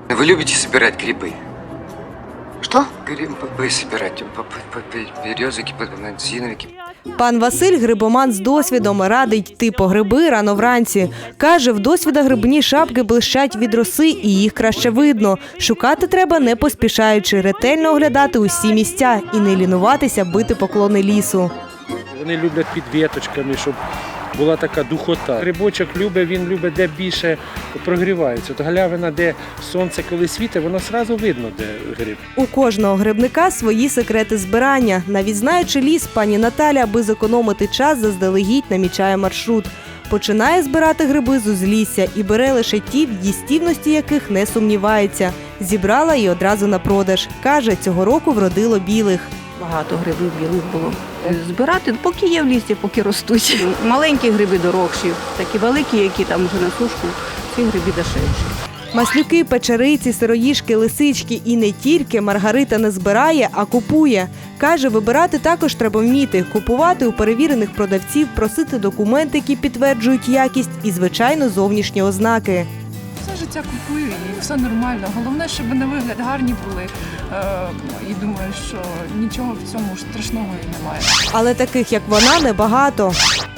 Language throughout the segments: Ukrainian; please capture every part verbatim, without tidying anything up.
Вы любите собирать грибы? Что? Грибы собирать, березовики, подмансиновики. Пан Василь – грибоман з досвідом, радить йти по гриби рано вранці. Каже, в досвіда грибні шапки блищать від роси і їх краще видно. Шукати треба не поспішаючи, ретельно оглядати усі місця і не лінуватися бити поклони лісу. Вони люблять під віточками, щоб була така духота. Грибочок любить, він любить, де більше прогрівається. От галявина, де сонце коли світить, воно одразу видно, де гриб. У кожного грибника свої секрети збирання. Навіть знаючи ліс, пані Наталя, аби зекономити час, заздалегідь намічає маршрут. Починає збирати гриби з узлісся і бере лише ті, в їстівності яких не сумнівається. Зібрала і одразу на продаж. Каже, цього року вродило білих. Багато грибів білих було. Збирати, поки є в лісі, поки ростуть. Маленькі гриби дорогші, такі великі, які там вже на сушку, ці гриби дешевші. Маслюки, печериці, сироїжки, лисички і не тільки Маргарита не збирає, а купує. Каже, вибирати також треба вміти, купувати у перевірених продавців, просити документи, які підтверджують якість і, звичайно, зовнішні ознаки. Все життя купую і все нормально. Головне, щоб на вигляд гарні були. Е, і думаю, що нічого в цьому страшного і немає. Але таких, як вона, небагато.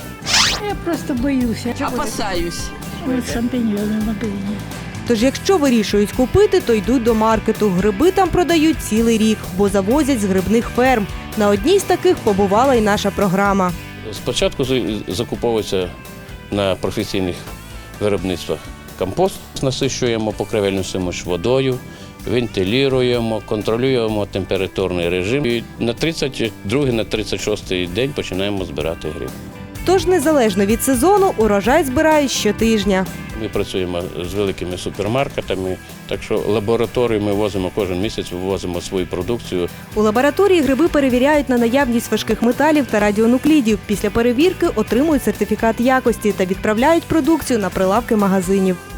Я просто боюся. Опасаюсь. Ось шампіньйони в магазині. Тож, якщо вирішують купити, то йдуть до маркету. Гриби там продають цілий рік, бо завозять з грибних ферм. На одній з таких побувала і наша програма. Спочатку закуповується на професійних виробництвах компост, насищуємо покривельну суміш водою, вентилюємо, контролюємо температурний режим. І на тридцять другий, на тридцять шостий день починаємо збирати гриб. Тож, незалежно від сезону, урожай збирають щотижня. Ми працюємо з великими супермаркетами, так що лабораторію ми возимо кожен місяць, вивозимо свою продукцію. У лабораторії гриби перевіряють на наявність важких металів та радіонуклідів. Після перевірки отримують сертифікат якості та відправляють продукцію на прилавки магазинів.